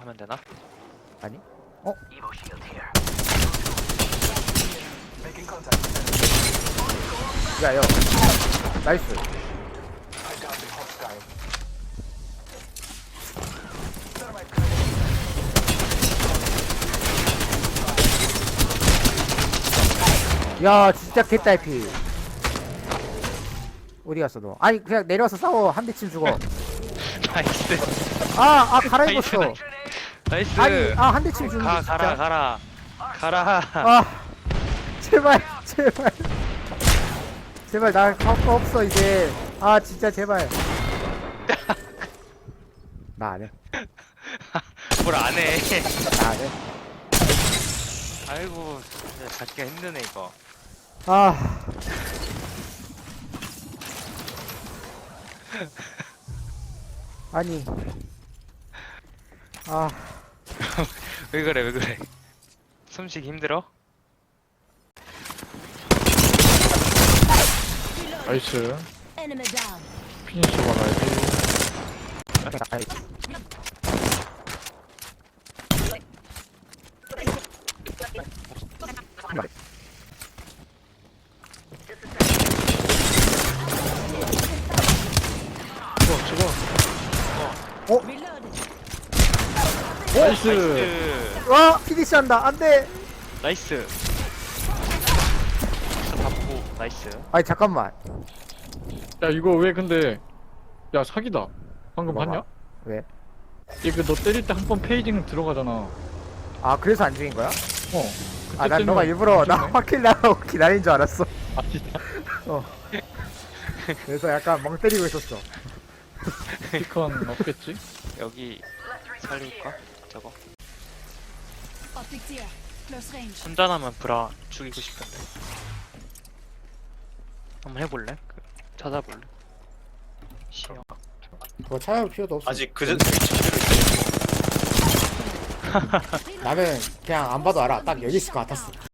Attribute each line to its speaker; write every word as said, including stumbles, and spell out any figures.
Speaker 1: 하면 되나?
Speaker 2: 아니? 어? 야, 야. 나이스. 야, 진짜 개딸피. 어디 갔어, 너? 아니, 그냥 내려와서 싸워. 한 대쯤 죽어.
Speaker 1: 나이스.
Speaker 2: 아, 아, 갈아입었어.
Speaker 1: 나이스.
Speaker 2: 아니, 아, 한 대쯤 죽는
Speaker 1: 가
Speaker 2: 거 진짜.
Speaker 1: 가라 가라 가라.
Speaker 2: 아, 제발, 제발. 제발, 나 할 거 없어, 이제. 아, 진짜, 제발. 나 안 해.
Speaker 1: 뭘 안 해.
Speaker 2: 나 안 해.
Speaker 1: 아이고 진짜 잡기가 힘드네 이거.
Speaker 2: 아. 아니. 아.
Speaker 1: 왜 그래 왜 그래. 숨쉬기 힘들어?
Speaker 3: 나이스.
Speaker 4: Enemy down.
Speaker 3: 피니시 받아야지. 죽어, 죽어.
Speaker 4: Reloaded.
Speaker 3: 나이스.
Speaker 1: 나이스.
Speaker 2: 와, 피니시 한다. 안 돼.
Speaker 1: 나이스. 다 보고 나이스.
Speaker 2: 아니, 잠깐만.
Speaker 3: 야, 이거 왜 근데. 야, 사기다. 방금
Speaker 2: 뭐가?
Speaker 3: 봤냐?
Speaker 2: 왜?
Speaker 3: 이거 너 때릴 때 한 번 페이징 들어가잖아.
Speaker 2: 아, 그래서 안 죽인 거야?
Speaker 3: 어.
Speaker 2: 아, 난 너가 일부러 나 확킬 나라고 기다린 줄 알았어.
Speaker 3: 아, 진짜.
Speaker 2: 어. 그래서 약간 멍 때리고 있었어.
Speaker 3: 피컨 없겠지?
Speaker 1: 여기 살릴까? 저거.
Speaker 4: Optics here. Close range.
Speaker 1: 혼자나면 브라 죽이고 싶은데. 한번 해볼래? 그, 찾아볼래? 시영.
Speaker 2: 그거 찾아볼 필요도 없어.
Speaker 5: 아직 그 전에 제대로
Speaker 2: 나는 그냥 안 봐도 알아. 딱 여기 있을 것 같았어.